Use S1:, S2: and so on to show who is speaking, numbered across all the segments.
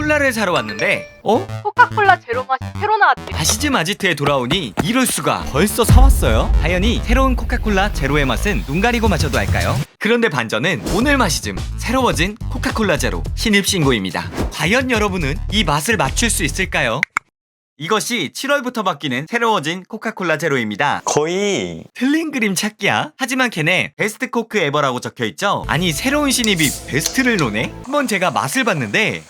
S1: 콜라를 사러 왔는데
S2: 코카콜라 제로 맛이 새로 나왔대.
S1: 마시즘 아지트에 돌아오니 이럴 수가, 벌써 사왔어요? 당연히 새로운 코카콜라 제로의 맛은 눈 가리고 마셔도 할까요? 그런데 반전은 오늘 마시즘 새로워진 코카콜라 제로 신입신고입니다. 과연 여러분은 이 맛을 맞출 수 있을까요? 이것이 7월부터 바뀌는 새로워진 코카콜라 제로입니다.
S3: 거의
S1: 틀린 그림 찾기야? 하지만 걔네 베스트 코크 에버라고 적혀있죠? 아니 새로운 신입이 베스트를 노네? 한번 제가 맛을 봤는데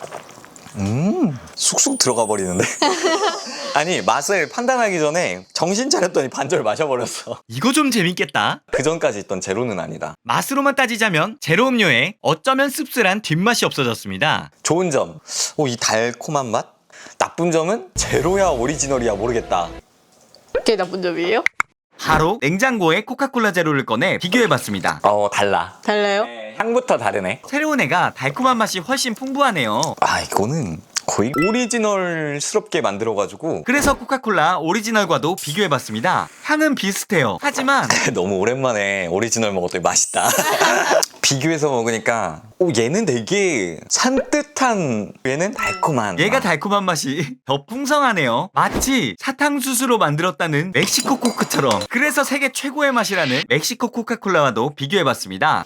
S3: 쑥쑥 들어가 버리는데. 아니, 맛을 판단하기 전에 정신 차렸더니 반절 마셔버렸어.
S1: 이거 좀 재밌겠다.
S3: 그 전까지 있던 제로는 아니다.
S1: 맛으로만 따지자면 제로 음료에 어쩌면 씁쓸한 뒷맛이 없어졌습니다.
S3: 좋은 점, 이 달콤한 맛? 나쁜 점은 제로야 오리지널이야 모르겠다.
S2: 그게 나쁜 점이에요?
S1: 바로 냉장고에 코카콜라 제로를 꺼내 비교해봤습니다.
S3: 달라.
S2: 달라요?
S3: 향부터 다르네.
S1: 새로운 애가 달콤한 맛이 훨씬 풍부하네요.
S3: 이거는 거의 오리지널스럽게 만들어가지고
S1: 그래서 코카콜라 오리지널과도 비교해봤습니다. 향은 비슷해요. 하지만
S3: 너무 오랜만에 오리지널 먹었더니 맛있다. 비교해서 먹으니까 얘는 되게 산뜻한, 얘는 달콤한
S1: 얘가
S3: 맛.
S1: 달콤한 맛이 더 풍성하네요. 마치 사탕수수로 만들었다는 멕시코 코크처럼. 그래서 세계 최고의 맛이라는 멕시코 코카콜라와도 비교해봤습니다.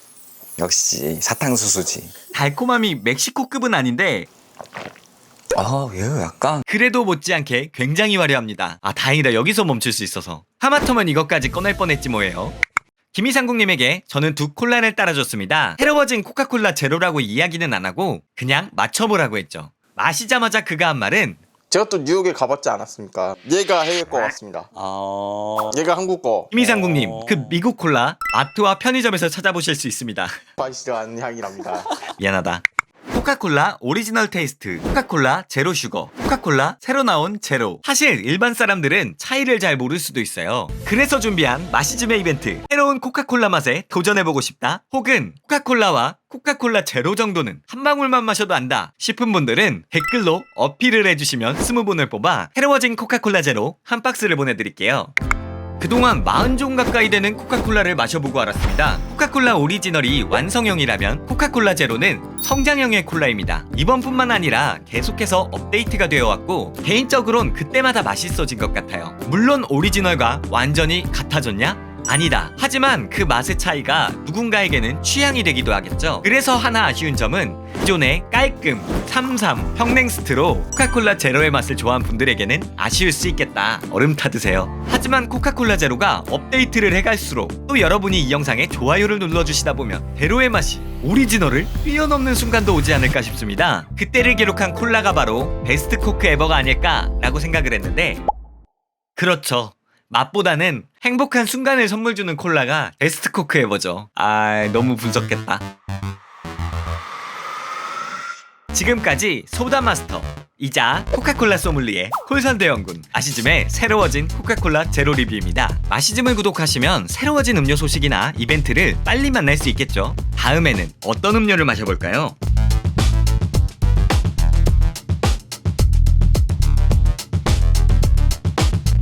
S3: 역시 사탕수수지.
S1: 달콤함이 멕시코급은 아닌데
S3: 얘 약간
S1: 그래도 못지않게 굉장히 화려합니다. 다행이다. 여기서 멈출 수 있어서. 하마터면 이것까지 꺼낼 뻔했지 뭐예요. 김희상국님에게 저는 두 콜라를 따라줬습니다. 새로워진 코카콜라 제로라고 이야기는 안 하고 그냥 맞춰보라고 했죠. 마시자마자 그가 한 말은
S4: 제가 또 뉴욕에 가봤지 않았습니까? 얘가 해외 거 같습니다. 얘가 한국 거.
S1: 김희상국님, 그 미국 콜라 마트와 편의점에서 찾아보실 수 있습니다.
S4: 맛있는 향이랍니다.
S1: 미안하다. 코카콜라 오리지널 테이스트, 코카콜라 제로 슈거, 코카콜라 새로 나온 제로. 사실 일반 사람들은 차이를 잘 모를 수도 있어요. 그래서 준비한 마시즘의 이벤트, 새로운 코카콜라 맛에 도전해보고 싶다, 혹은 코카콜라와 코카콜라 제로 정도는 한 방울만 마셔도 안다 싶은 분들은 댓글로 어필을 해주시면 20분을 뽑아 새로워진 코카콜라 제로 한 박스를 보내드릴게요. 그동안 40종 가까이 되는 코카콜라를 마셔보고 알았습니다. 코카콜라 오리지널이 완성형이라면 코카콜라 제로는 성장형의 콜라입니다. 이번뿐만 아니라 계속해서 업데이트가 되어 왔고 개인적으론 그때마다 맛있어진 것 같아요. 물론 오리지널과 완전히 같아졌냐? 아니다. 하지만 그 맛의 차이가 누군가에게는 취향이 되기도 하겠죠. 그래서 하나 아쉬운 점은 기존의 깔끔, 삼삼, 평냉스트로 코카콜라 제로의 맛을 좋아하는 분들에게는 아쉬울 수 있겠다. 얼음 타드세요. 하지만 코카콜라 제로가 업데이트를 해갈수록 또 여러분이 이 영상에 좋아요를 눌러주시다 보면 제로의 맛이 오리지널을 뛰어넘는 순간도 오지 않을까 싶습니다. 그때를 기록한 콜라가 바로 베스트 코크 에버가 아닐까라고 생각을 했는데 그렇죠. 맛보다는 행복한 순간을 선물 주는 콜라가 베스트 코크 에버죠. 너무 분석했다. 지금까지 소다마스터 이자 코카콜라 소믈리에 콜선대 연군 마시즘의 새로워진 코카콜라 제로 리뷰입니다. 마시즘을 구독하시면 새로워진 음료 소식이나 이벤트를 빨리 만날 수 있겠죠. 다음에는 어떤 음료를 마셔볼까요?